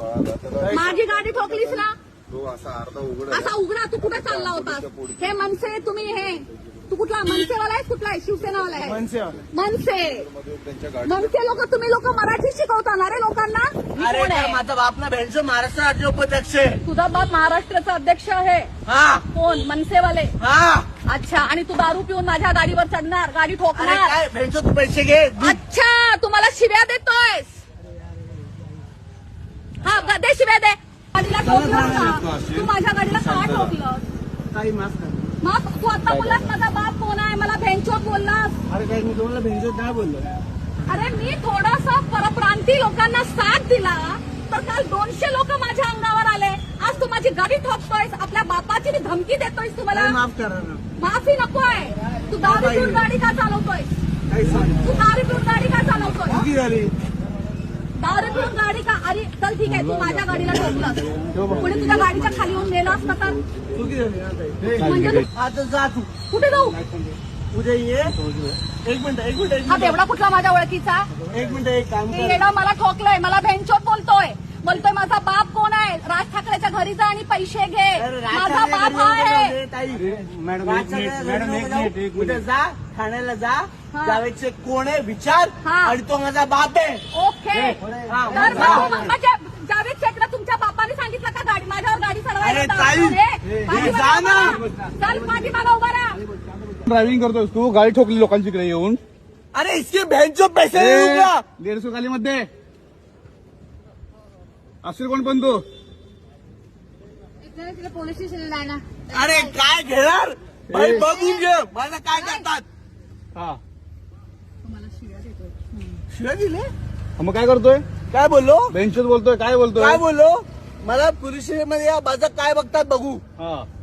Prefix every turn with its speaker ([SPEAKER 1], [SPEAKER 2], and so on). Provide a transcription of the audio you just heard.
[SPEAKER 1] माझी गाडी ठोकलीस ना,
[SPEAKER 2] तो असा अर्धा
[SPEAKER 1] असा उघडा. तू कुठे चालला होतास? हे मनसे, तुम्ही हे तू कुठला मनसेवाला आहेस? कुठला आहे? शिवसेनावाला आहे? मनसे. मनसे लोक, तुम्ही लोक मराठी शिकवता ना रे लोकांना?
[SPEAKER 3] अरे माझा बाप ना बँच महाराष्ट्र राज्य उपाध्यक्ष आहे.
[SPEAKER 1] तुझा बाप महाराष्ट्राचा अध्यक्ष आहे?
[SPEAKER 3] हा.
[SPEAKER 1] कोण? मनसेवाले?
[SPEAKER 3] हा.
[SPEAKER 1] अच्छा. आणि तू दारू पिऊन माझ्या गाडीवर चढणार, गाडी
[SPEAKER 3] अरे
[SPEAKER 1] ठोकणार?
[SPEAKER 3] काय बँच तू पैसे घे.
[SPEAKER 1] अच्छा, तू मला शिव्या देतोयस? हा, दे शिव्या दे. गाडीला ठोकलं का? तू माझ्या गाडीला का ठोकलं?
[SPEAKER 3] काही माफ कर.
[SPEAKER 1] मग तू आता बोललास माझा बाप कोण आहे, मला भेंचोत बोललास.
[SPEAKER 3] अरे काय मी तुम्हाला बँच नाही बोललो.
[SPEAKER 1] अरे मी थोडासा परप्रांती लोकांना साथ दिला तर काल 200 लोक माझ्या अंगावर आले. आज तू माझी गाडी ठोकतोयस, आपल्या बापाची धमकी देतोयस. तुम्हाला
[SPEAKER 3] माफ करा ना.
[SPEAKER 1] माफी नकोय. तू दारू पिऊन गाडी का चालवतोय?
[SPEAKER 3] काही सांग.
[SPEAKER 1] तू दारू पिऊन गाडी का चालवतोय?
[SPEAKER 3] चुकी झाली.
[SPEAKER 1] दारू पिऊन गाडी का? अरे चल ठीक आहे, तू माझ्या गाडीला ठोकलं, पुढे तुझ्या गाडीच्या खाली येऊन गेला असता तर?
[SPEAKER 3] चुकी झाली ना ताई.
[SPEAKER 1] म्हणजे तू
[SPEAKER 3] आता जा तू.
[SPEAKER 1] कुठे जाऊ?
[SPEAKER 3] उद्या ये. एक मिनिट.
[SPEAKER 1] हा तेवढा कुठला माझ्या ओळखीचा?
[SPEAKER 3] एक मिनिट एक काम
[SPEAKER 1] हे
[SPEAKER 3] कर.
[SPEAKER 1] येणं मला ठोकलंय, मला भेंचोत बोलतोय माझा बाप कोण आहे? राज ठाकरेच्या घरी जा आणि पैसे घे. माझा बाप हा आहे.
[SPEAKER 3] मॅडम उद्या जा ठाण्याला जा.
[SPEAKER 1] हा.
[SPEAKER 3] जावेदचे कोण आहे विचार.
[SPEAKER 1] हा.
[SPEAKER 3] आणि तो माझा बाप आहे.
[SPEAKER 1] ओके.
[SPEAKER 3] हा.
[SPEAKER 1] तर मग माझ्या जावेद शेखला तुमच्या बापाने सांगितलं का गाडी माझ्यावर गाडी
[SPEAKER 3] अरे
[SPEAKER 1] चढवायला?
[SPEAKER 3] ताई, जा ना.
[SPEAKER 1] चल पाठीमागा उभा राहा.
[SPEAKER 4] ड्रायव्हिंग करतोस तू, गाडी ठोकली लोकांची इकडे येऊन.
[SPEAKER 3] अरे इसके बहनचो पैसे नहीं दूंगा.
[SPEAKER 4] 150 खाली मध्ये असेल कोण पण तू.
[SPEAKER 1] पोलीस स्टेशनला आहे ना.
[SPEAKER 3] अरे काय घेणार भाई बघून घे मला काय करतात.
[SPEAKER 4] हा
[SPEAKER 3] शिवाय दिले.
[SPEAKER 4] मग काय करतोय?
[SPEAKER 3] काय बोललो
[SPEAKER 4] बेंचवर बोलतोय, काय बोलतोय?
[SPEAKER 3] काय बोललो मला पोलीस स्टेशन मध्ये या माझं काय बघतात बघू.
[SPEAKER 4] हा